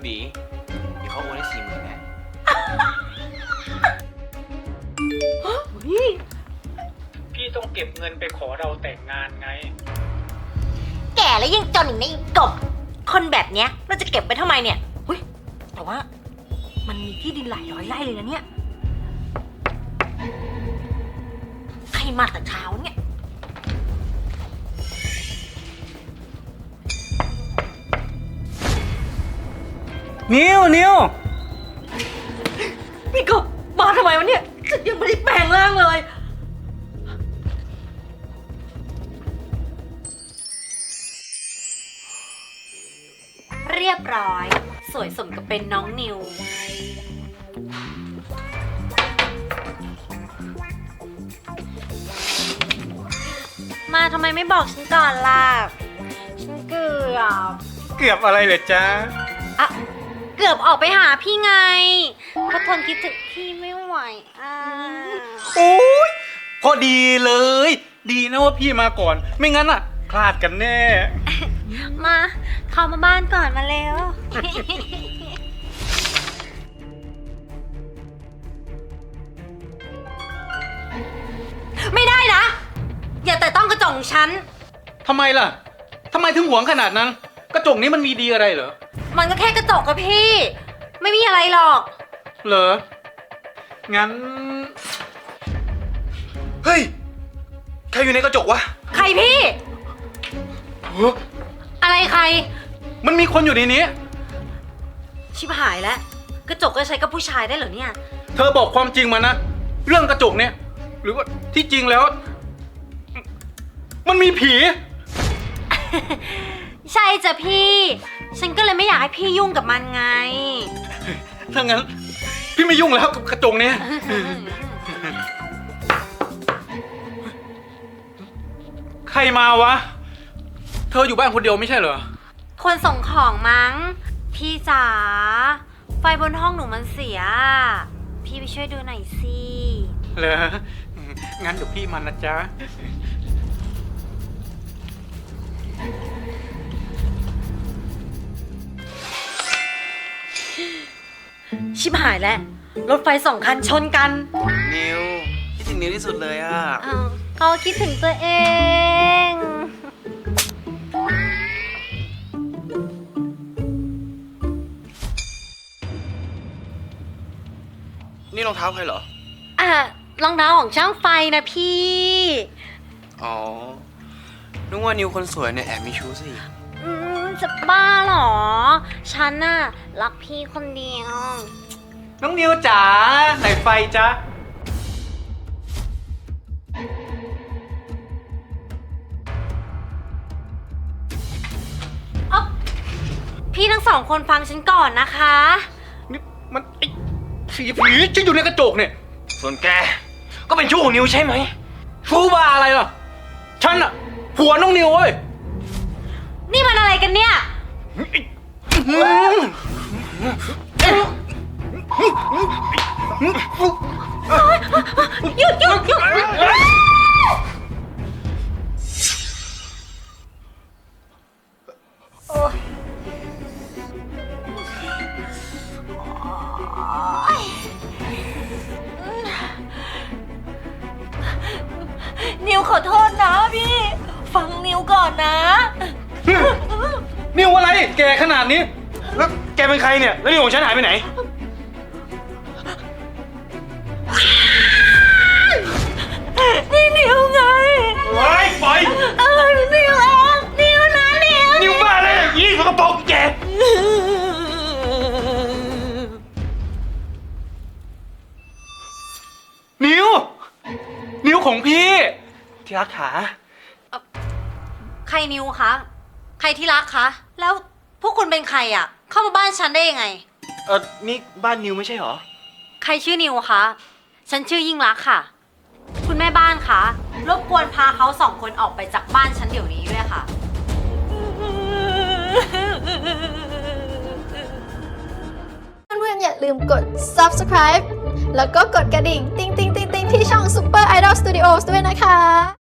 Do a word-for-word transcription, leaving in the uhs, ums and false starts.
บีเดี๋ยวเขาโอนให้สี่หมื่นแน่พี่ต้องเก็บเงินไปขอเราแต่งงานไงแก่แล้วยังจนอีกนะอีกบคนแบบเนี้ยเราจะเก็บไปทำไมเนี่ยเฮ้ยแต่ว่ามันมีที่ดินหลายร้อยไร่เลยนะเนี่ยใครมาแต่เช้าเนี่ยนิวนิวพี่กบมาทำไมวะเนี่ยฉันยังไม่ได้แปลงร่างเลยเรียบร้อยสวยสมกับเป็นน้องนิวมาทำไมไม่บอกฉันก่อนล่ะฉันเกือบเกือบอะไรเหรอจ๊ะอะเกือบออกไปหาพี่ไงเพราะทนคิดถึงพี่ไม่ไหวอ่ะโอ้ยพอดีเลยดีนะว่าพี่มาก่อนไม่งั้นอ่ะพลาดกันแน่มาเข้ามาบ้านก่อนมาเร็วไม่ได้นะอย่าแต่ต้องกระจกฉันทำไมล่ะทำไมถึงหวงขนาดนั้นกระจกนี้มันมีดีอะไรเหรอมันก็แค่กระจกกับพี่ไม่มีอะไรหรอกเหรองั้นเฮ้ยใครอยู่ในกระจกวะใครพี่อะไรใครมันมีคนอยู่ในนี้ชิบหายแล้วกระจกก็ใช้กับผู้ชายได้เหรอเนี่ยเธอบอกความจริงมานะเรื่องกระจกเนี่ยหรือว่าที่จริงแล้วมันมีผีใช่จ้ะพี่ฉันก็เลยไม่อยากให้พี่ยุ่งกับมันไงถ้างั้นพี่ไม่ยุ่งแล้วกับกระจกเนี่ยใครมาวะเธออยู่บ้านคนเดียวไม่ใช่เหรอคนส่งของมั้งพี่จ๋าไฟบนห้องหนูมันเสียพี่ไปช่วยดูหน่อยสิเหรองั้นเดี๋ยวพี่มันนะจ๊ะชิบหายแล้วรถไฟสองคันชนกันนิวคิดถึงนิวที่สุดเลยอ่ะเขาคิดถึงตัวเองนี่รองเท้าใครเหรออ่ะรองเท้าของช่างไฟนะพี่อ๋อนึกว่านิวคนสวยเนี่ยแอบมีชู้สิอืมจะบ้าเหรอฉันน่ะรักพี่คนเดียวน้องนิวจ๋าไหนไฟจ๊ะอ๊อบพี่ทั้งสองคนฟังฉันก่อนนะคะนี่มันไอ้ผีผีที่อยู่ในกระจกเนี่ยส่วนแกก็เป็นชู้ของนิวใช่ไหมชู้บ้าอะไรล่ะฉันอะผัวน้องนิวเว้ยนี่มันอะไรกันเนี่ยหยุดหยุดหยุดนิวขอโทษนะพี่ฟังนิวก่อนนะนิวอะไรแกขนาดนี้แล้วแกเป็นใครเนี่ยแล้วนิวของฉันหายไปไหนนี่นิวไงไว้ปล่อยเออนิวเองนิวนะนิวนิวบ้าเลยยี่สกปรกแกนิวนิวของพี่ที่รักขาใครนิวคะใครที่รักคะแล้วพวกคุณเป็นใครอ่ะเข้ามาบ้านฉันได้ยังไงเออนี่บ้านนิวไม่ใช่หรอใครชื่อนิวคะฉันชื่อยิ่งรักค่ะคุณแม่บ้านคะรบกวนพาเขาสองคนออกไปจากบ้านฉันเดี๋ยวนี้ด้วยค่ะเพื่อนๆอย่าลืมกด ซับสไครบ์ แล้วก็กดกระดิ่งติ๊งติ๊งติ๊งติ๊งที่ช่อง Super Idol Studios ด้วยนะคะ